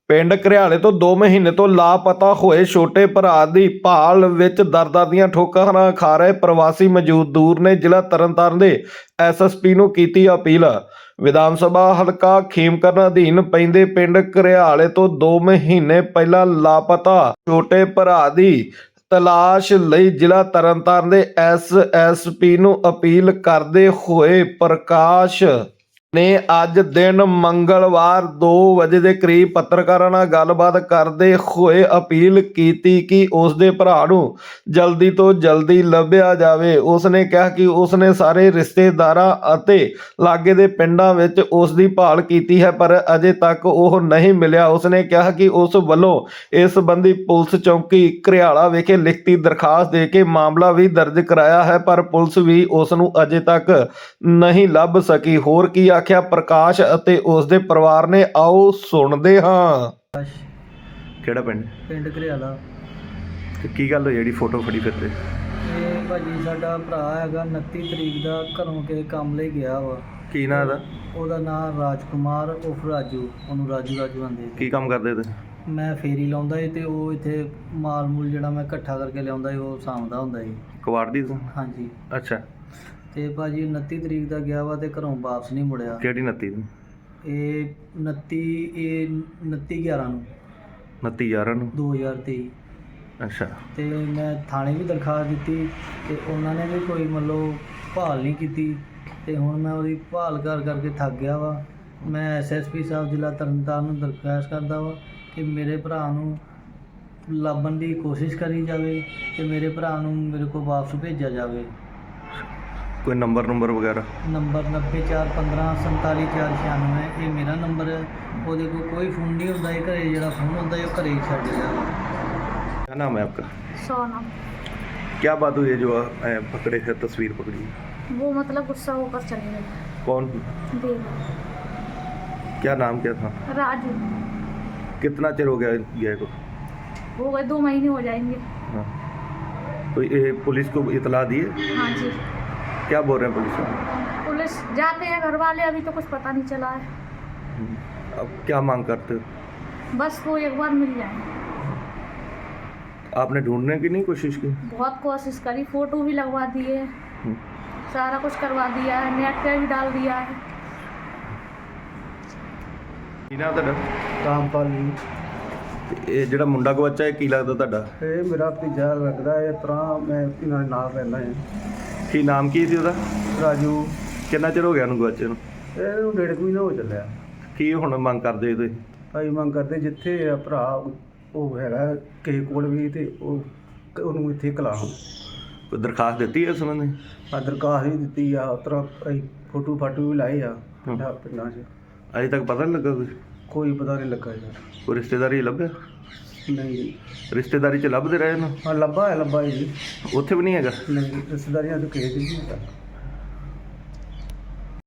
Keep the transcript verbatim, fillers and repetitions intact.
ਪਿੰਡ ਘਰਿਆਲੇ ਤੋਂ ਦੋ ਮਹੀਨੇ ਤੋਂ ਲਾਪਤਾ ਹੋਏ ਛੋਟੇ ਭਰਾ ਦੀ ਭਾਲ ਵਿੱਚ ਦਰਦਾਂ ਦੀਆਂ ਠੋਕਰਾਂ ਖਾ ਰਹੇ ਪ੍ਰਵਾਸੀ ਮਜ਼ਦੂਰ ਨੇ ਜ਼ਿਲ੍ਹਾ ਤਰਨਤਾਰਨ ਦੇ ਐਸ ਐਸ ਪੀ ਨੂੰ ਕੀਤੀ ਅਪੀਲ। ਵਿਧਾਨ ਸਭਾ ਹਲਕਾ ਖੇਮਕਰਨ ਅਧੀਨ ਪੈਂਦੇ ਪਿੰਡ ਘਰਿਆਲੇ ਤੋਂ ਦੋ ਮਹੀਨੇ ਪਹਿਲਾਂ ਲਾਪਤਾ ਛੋਟੇ ਭਰਾ ਦੀ ਤਲਾਸ਼ ਲਈ ਜ਼ਿਲ੍ਹਾ ਤਰਨਤਾਰਨ ਦੇ ਐਸ ਐਸ ਪੀ ਨੂੰ ਅਪੀਲ ਕਰਦੇ ਹੋਏ ਪ੍ਰਕਾਸ਼ ਨੇ ਅੱਜ ਦਿਨ ਮੰਗਲਵਾਰ ਦੋ ਵਜੇ ਦੇ ਕਰੀਬ ਪੱਤਰਕਾਰਾਂ ਨਾਲ ਗੱਲਬਾਤ ਕਰਦੇ ਹੋਏ ਅਪੀਲ ਕੀਤੀ ਕਿ ਉਸ ਦੇ ਭਰਾ ਨੂੰ ਜਲਦੀ ਤੋਂ ਜਲਦੀ ਲੱਭਿਆ ਜਾਵੇ। ਉਸ ਨੇ ਕਿਹਾ ਕਿ ਉਸ ਨੇ ਸਾਰੇ ਰਿਸ਼ਤੇਦਾਰਾਂ ਅਤੇ ਲਾਗੇ ਦੇ ਪਿੰਡਾਂ ਵਿੱਚ ਉਸ ਦੀ ਭਾਲ ਕੀਤੀ ਹੈ ਪਰ ਅਜੇ ਤੱਕ ਉਹ ਨਹੀਂ ਮਿਲਿਆ। ਉਸ ਨੇ ਕਿਹਾ ਕਿ ਉਸ ਵੱਲੋਂ ਇਸ ਸੰਬੰਧੀ ਪੁਲਿਸ ਚੌਂਕੀ ਘਰਿਆਲਾ ਵਿਖੇ ਲਿਖਤੀ ਦਰਖਾਸਤ ਦੇ ਕੇ ਮਾਮਲਾ ਵੀ ਦਰਜ ਕਰਾਇਆ ਹੈ ਪਰ ਪੁਲਿਸ ਵੀ ਉਸ ਨੂੰ ਅਜੇ ਤੱਕ ਨਹੀਂ ਲੱਭ ਸਕੀ। ਹੋਰ ਕੀ ਆਖਿਆ ਪ੍ਰਕਾਸ਼ ਅਤੇ ਉਸ ਦੇ ਪਰਿਵਾਰ ਨੇ, ਆਓ ਸੁਣਦੇ ਹਾਂ। ਕਿਹੜਾ ਪਿੰਡ? ਪਿੰਡ ਘਰਿਆਲਾ। ਤੇ ਕੀ ਗੱਲ ਹੋਈ ਜਿਹੜੀ ਫੋਟੋ ਫੜੀ ਫਿਰਦੇ? ਇਹ ਭਾਜੀ ਸਾਡਾ ਭਰਾ ਹੈਗਾ, ਉਨੱਤੀ ਤਰੀਕ ਦਾ ਘਰੋਂ ਕੇ ਕੰਮ ਲਈ ਗਿਆ ਵਾ। ਕੀ ਨਾਂ ਦਾ? ਉਹਦਾ ਨਾਮ ਰਾਜਕੁਮਾਰ ਉਰਫ ਰਾਜੂ, ਉਹਨੂੰ ਰਾਜੂ ਰਾਜੂ ਆਂਦੇ। ਕੀ ਕੰਮ ਕਰਦੇ ਤੇ? ਮੈਂ ਫੇਰੀ ਲਾਉਂਦਾ ਸੀ ਤੇ ਉਹ ਇੱਥੇ ਮਾਲ ਮੂਲ ਜਿਹੜਾ ਮੈਂ ਇਕੱਠਾ ਕਰਕੇ ਲਿਆਉਂਦਾ ਸੀ ਉਹ ਸਾਂਭਦਾ ਹੁੰਦਾ ਸੀ। ਕਵਾੜ ਦੀ ਤੂੰ? ਹਾਂਜੀ। ਅੱਛਾ। ਤੇ ਭਾਜੀ ਉਨੱਤੀ ਤਰੀਕ ਦਾ ਗਿਆ ਵਾ ਤੇ ਘਰੋਂ ਵਾਪਸ ਨਹੀਂ ਮੁੜਿਆ। ਕਿਹੜੀ ਉਨੱਤੀ ਨੂੰ? ਇਹ ਉਨੱਤੀ ਇਹ ਉਨੱਤੀ ਗਿਆਰਾਂ ਨੂੰ ਉਨੱਤੀ ਗਿਆਰਾਂ ਨੂੰ ਦੋ ਹਜ਼ਾਰ ਤੇਈ। ਅੱਛਾ। ਤੇ ਮੈਂ ਥਾਣੇ ਵੀ ਦਰਖਾਸਤ ਦਿੱਤੀ ਤੇ ਉਹਨਾਂ ਨੇ ਵੀ ਕੋਈ ਮਤਲਬ ਭਾਲ ਨਹੀਂ ਕੀਤੀ ਤੇ ਹੁਣ ਮੈਂ ਉਹਦੀ ਭਾਲ ਕਰ ਕਰਕੇ ਥੱਕ ਗਿਆ ਵਾ। ਮੈਂ ਐਸ ਐਸ ਪੀ ਸਾਹਿਬ ਜ਼ਿਲ੍ਹਾ ਤਰਨਤਾਰਨ ਨੂੰ ਦਰਖਾਸਤ ਕਰਦਾ ਵਾ ਕਿ ਮੇਰੇ ਭਰਾ ਨੂੰ ਲੱਭਣ ਦੀ ਕੋਸ਼ਿਸ਼ ਕਰੀ ਜਾਵੇ ਤੇ ਮੇਰੇ ਭਰਾ ਨੂੰ ਮੇਰੇ ਕੋਲ ਵਾਪਸ ਭੇਜਿਆ ਜਾਵੇ। ਕੋਈ ਨੰਬਰ ਨੰਬਰ ਵਗੈਰਾ? ਨੰਬਰ ਨੱਬੇ ਚਾਰ ਪੰਦਰਾਂ ਸੰਤਾਲੀ ਚਾਰ ਛਿਆਨਵੇਂ, ਇਹ ਮੇਰਾ ਨੰਬਰ ਹੈ। ਉਹਦੇ ਕੋਲ ਕੋਈ ਫੋਨ ਨਹੀਂ ਹੁੰਦਾ, ਇਹ ਘਰੇ ਜਿਹੜਾ ਫੋਨ ਹੁੰਦਾ ਇਹ ਘਰੇ ਹੀ ਛੱਡ ਜਾਂਦਾ। क्या नाम है आपका? सोनम। क्या बात हुई है जो अ, पकड़े थे, तस्वीर पकड़ी? वो मतलब गुस्सा होकर चले गए। कौन? देव। क्या नाम क्या था? राजू। कितना चिर हो गया गए को? हो गए दो महीने हो जाएंगे। हाँ। तो ये पुलिस को इतला दी है? हाँ जी। क्या बोल रहे हैं पुलिस वाले? पुलिस जाते हैं घर वाले, अभी तो कुछ पता नहीं चला है। अब क्या मांग करते हो? बस वो एक बार मिल जाए। आपने ढूंढने की नहीं कोशिश की? बहुत कोशिश करी, फोटो भी लगवा दिए, सारा कुछ करवा दिया है, नेट पे भी डाल दिया है। ਕੀ ਨਾਂ ਤੁਹਾਡਾ? ਰਾਮਪਾਲ ਜੀ। ਤੇ ਇਹ ਜਿਹੜਾ ਮੁੰਡਾ ਗਵਾਚਾ ਹੈ ਕੀ ਲੱਗਦਾ ਤੁਹਾਡਾ? ਇਹ ਮੇਰਾ ਭਤੀਜਾ ਲੱਗਦਾ ਹੈ। ਇਸ ਤਰ੍ਹਾਂ ਮੈਂ ਇਹਨਾਂ ਦੇ ਨਾਲ ਰਹਿੰਦਾ ਹਾਂ। ਕੀ ਨਾਮ ਕੀ ਸੀ ਉਹਦਾ? ਰਾਜੂ। ਕਿੰਨਾ ਚਿਰ ਹੋ ਗਿਆ ਉਹਨੂੰ ਗਵਾਚੇ ਨੂੰ? ਇਹਨੂੰ ਡੇਢ ਕੁ ਮਹੀਨਾ ਹੋ ਚੱਲਿਆ। ਕੀ ਹੁਣ ਮੰਗ ਕਰਦੇ ਹੋ ਤੁਸੀਂ? ਭਾਈ ਮੰਗ ਕਰਦੇ ਜਿੱਥੇ ਆ ਭਰਾ ਉਹ ਹੈਗਾ ਕਿਸੇ ਕੋਲ ਵੀ ਤੇ ਉਹ ਉਹਨੂੰ ਇੱਥੇ ਕਲਾਉ। ਕੋਈ ਦਰਖਾਸਤ ਦਿੱਤੀ ਹੈ ਇਸ ਸੰਬੰਧੀ? ਆ ਦਰਖਾਸਤ ਵੀ ਦਿੱਤੀ ਆ, ਉਸ ਤਰ੍ਹਾਂ ਅਸੀਂ ਫੋਟੋ ਫਾਟੋ ਵੀ ਲਾਏ ਆ ਪਿੰਡਾਂ ਪਿੰਡਾਂ 'ਚ। ਅਜੇ ਤੱਕ ਪਤਾ ਨਹੀਂ ਲੱਗਾ ਕੋਈ? ਕੋਈ ਪਤਾ ਨਹੀਂ ਲੱਗਾ ਯਾਰ। ਕੋਈ ਰਿਸ਼ਤੇਦਾਰੀ ਲੱਭਿਆ? ਨਹੀਂ। ਰਿਸ਼ਤੇਦਾਰੀ 'ਚ ਲੱਭਦੇ ਰਹੇ ਨਾ? ਹਾਂ ਲੱਭਾ ਹੈ ਲੱਭਾ ਜੀ। ਉੱਥੇ ਵੀ ਨਹੀਂ ਹੈਗਾ? ਨਹੀਂ ਰਿਸ਼ਤੇਦਾਰੀਆਂ ਤੋਂ ਕਿਸੇ ਦੀ ਨਹੀਂ ਹੈਗਾ।